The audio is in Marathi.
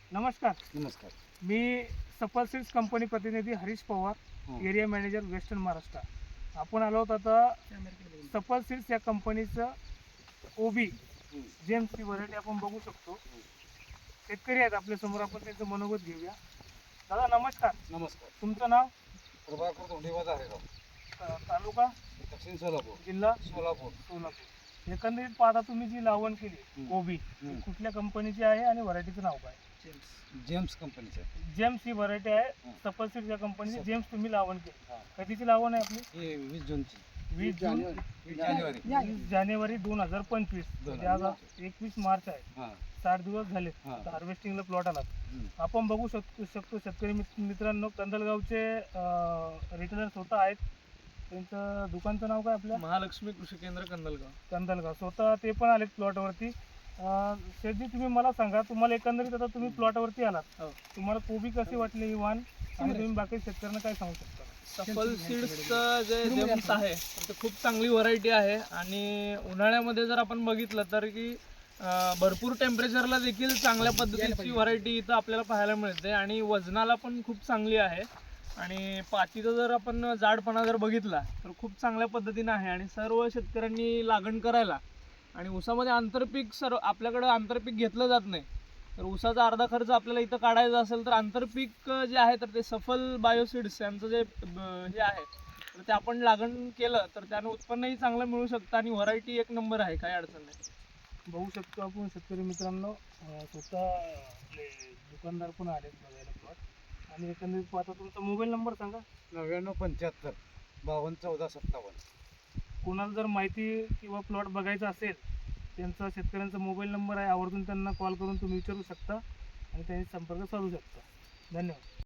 नमस्कार. नमस्कार. मी सफल सीड्स कंपनी प्रतिनिधी Harish Pawar, area manager western Maharashtra. आपण आलो आहोत आता सफल सीड्स या कंपनीचं ओबी जेम्स ही व्हरायटी आपण बघू शकतो. शेतकरी आहेत आपल्या समोर, आपण त्यांचं मनोगत घेऊया. दादा नमस्कार. नमस्कार. तुमचं नाव? प्रभाकर धोंडेवाद आहे राव. तालुका? दक्षिण सोलापूर. जिल्हा? सोलापूर. सोलापूर. एकंदरीत पाहता तुम्ही जी लावण केली ओबी, कुठल्या कंपनीची आहे आणि व्हरायटीचं नाव काय? जेम्स कंपनीचे. जेम्स ही व्हरायटी आहे. सफल सीड्स या कंपनीची जेम्स तुम्ही लावण केली. कधीची लावण आहे आपली? हे 20 जूनची. 20 जानेवारी 2025. म्हणजे आज 21 मार्च आहे. 60 दिवस झाले हार्वेस्टिंगला प्लॉट आला. आपण बघू शकतो शेतकरी मित्रांनो, कंदलगावचे रिटेलर स्वतः आहेत. त्यांचं दुकानचं नाव काय आपल्या? महालक्ष्मी कृषी केंद्र कंदलगाव. स्वतः ते पण आलेत प्लॉटवरती. शेठजी तुम्ही मला सांगा, तुम्हाला एकंदरीत आता तुम्ही प्लॉटवरती आलात, तुम्हाला कोबी कशी वाटली ही वाण, आणि तुम्ही बाकी शेतकऱ्यांना काय सांगू शकता? सफल सीड्सचं जे जेम्स आहे ते खूप चांगली व्हरायटी आहे. आणि उन्हाळ्यामध्ये जर आपण बघितलं तर की भरपूर टेम्परेचरला देखील चांगल्या पद्धतीची व्हरायटी इथं आपल्याला पाहायला मिळते. आणि वजनाला पण खूप चांगली आहे. आणि पातीचा जर आपण जाडपणा जर बघितला तर खूप चांगल्या पद्धतीने आहे. आणि सर्व शेतकऱ्यांनी लागण करायला, आणि ऊसामध्ये आंतरपीक आपल्याकडं आंतरपीक घेतलं जात नाही. तर ऊसाचा अर्धा खर्च आपल्याला इथं काढायचा असेल तर आंतरपीक जे आहे तर ते सफल बायोसीड्स यांचं जे हे आहे तर ते आपण लागण केलं तर त्यानं उत्पन्नही चांगलं मिळू शकतं. आणि व्हरायटी एक नंबर आहे, काही अडचण नाही. बघू शकतो आपण शेतकरी मित्रांनो, स्वतः आपले दुकानदार पण आलेत बघायला प्लॉट. आणि एकंदरीत पाहता तुमचा मोबाईल नंबर सांगा. 9975 52 14 57. कोणाला जर माहिती किंवा प्लॉट बघायचा असेल, त्यांचा शेतकऱ्यांचा मोबाईल नंबर आहे. आवर्जून त्यांना कॉल करून तुम्ही विचारू शकता आणि त्यांनी संपर्क साधू शकता. धन्यवाद.